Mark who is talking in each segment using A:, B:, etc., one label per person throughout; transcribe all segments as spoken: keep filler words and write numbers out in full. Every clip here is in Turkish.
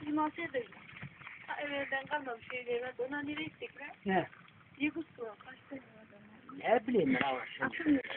A: bizim alsaydı. Ha evvelden kalmamış şeyler vardı. Ona nereye gittik lan?
B: Ne?
A: Yıkız su. Kaç tane var adamlar?
B: Ne bileyim ben ama şimdi.
A: Hatırlıyorum.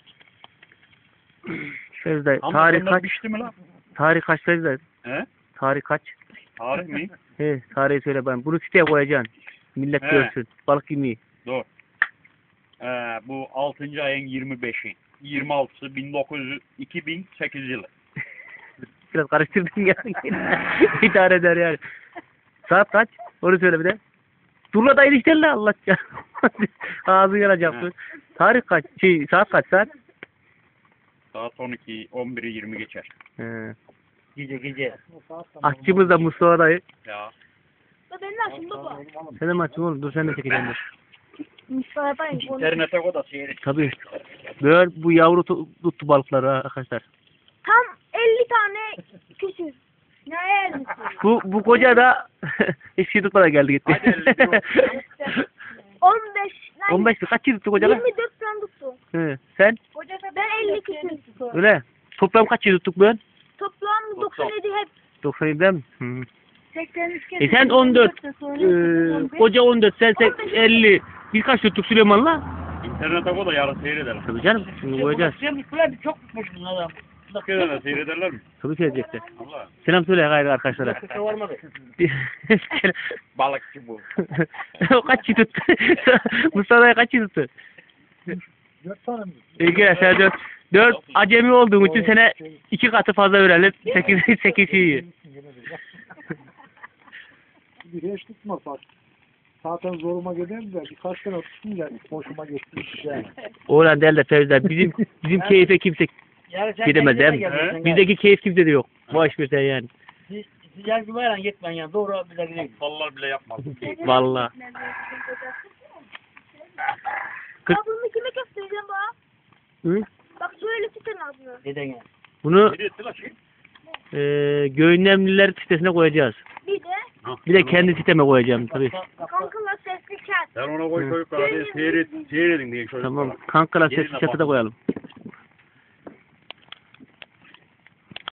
C: Fevzi
D: Ama
C: tarih
D: bunlar
C: kaç?
D: pişti mi lan?
C: Tarih kaç Fevzi?
D: He?
C: Tarih kaç?
D: Tarih mi?
C: He, tarihi söyle ben. Bunu siteye koyacaksın. Millet
D: He.
C: görsün. Balık yemeği.
D: Dur. Ee, bu altıncı ayın yirmi beşi. yirmi altısı bin dokuz yüz iki bin sekiz yılı.
C: Biraz karıştırdın ya. İdare eder yani. Saat kaç? Onu söyle bir de. Durla da ilişkilerle Allah ya. Ağzın yanacaksın. Tarih kaç? Şey, saat kaç saat?
D: Saat on iki, on biri yirmi geçer.
C: He.
B: Gece gece.
C: Aşçımız da Mustafa dayı.
D: Ya.
A: Da ben de açtım baba.
C: Sen de mi açtın oğlum? Dur sen de çekeceğim dur.
A: Mustafa dayı.
D: İnternete koy da seyret.
C: Tabii. Böyle bu yavru tu- tuttu balıkları ha arkadaşlar.
A: Tam elli tane küsür. Ne yersin?
C: Bu bu koca da hiç şey tutmadan geldi gitti.
D: Hadi elli
A: on beş. lan
C: on beş mi? Kaç yıl tuttu koca da?
A: yirmi dört tane tuttu.
C: He. Sen?
A: Ben elli küsür.
C: Öyle. Toplam kaç yıl tuttuk ben?
A: Toplam doksan yedi hep.
C: doksan yediden mi? Hı.
A: seksen üç kez.
C: E sen on dört. Ee, koca on dört. Sen sen elli. Biz kaç tuttuk Süleyman'la?
D: İnternete koy da yarın seyrederler.
C: Tabii canım. Şimdi koyacağız.
B: Sen böyle çok tutmuş bunun adam.
D: Bak de seyrederler mi?
C: Tabii seyredecekler.
D: Allah.
C: Selam söyle gayrı arkadaşlara.
B: Kimse varmadı.
D: Balıkçı bu.
C: O kaç yıl tuttu? Mustafa'ya kaç yıl tuttu?
B: Dört tane mi?
C: İyi ki sen dört. Dört acemi olduğun için sene iki katı fazla verelim. Sekiz, sekiz iyi.
E: Bir hiç tutmaz bak. Zaten zoruma giderdi de birkaç tane tutunca hoşuma gitti. Yani.
C: Oğlan değil de Fevzi'den. Bizim, bizim keyfe kimse
B: Yani sen
C: gidemez değil mi?
B: kendine gelirsin,
C: Bizdeki keyif kimse de yok. Boş bir şey yani.
B: Siz sıcak bir bayram gitmen yani. Doğru bize gidelim.
D: Aptallar bile yapmaz.
C: Valla.
A: Ya bunu kime göstereceğim bana?
C: Hı?
A: Bak şöyle tutan ağzını.
B: Neden yani?
C: Bunu
D: Nereye etti lan şey?
C: e, Göğünlemliler sitesine koyacağız.
A: Bir de
C: Bir de kendi siteme koyacağım tabii.
A: kankalar sesli kat.
D: Sen ona koy çocuklar hadi seyret, seyredin diye çocuklar.
C: Tamam. Kankalar sesi çatıda koyalım.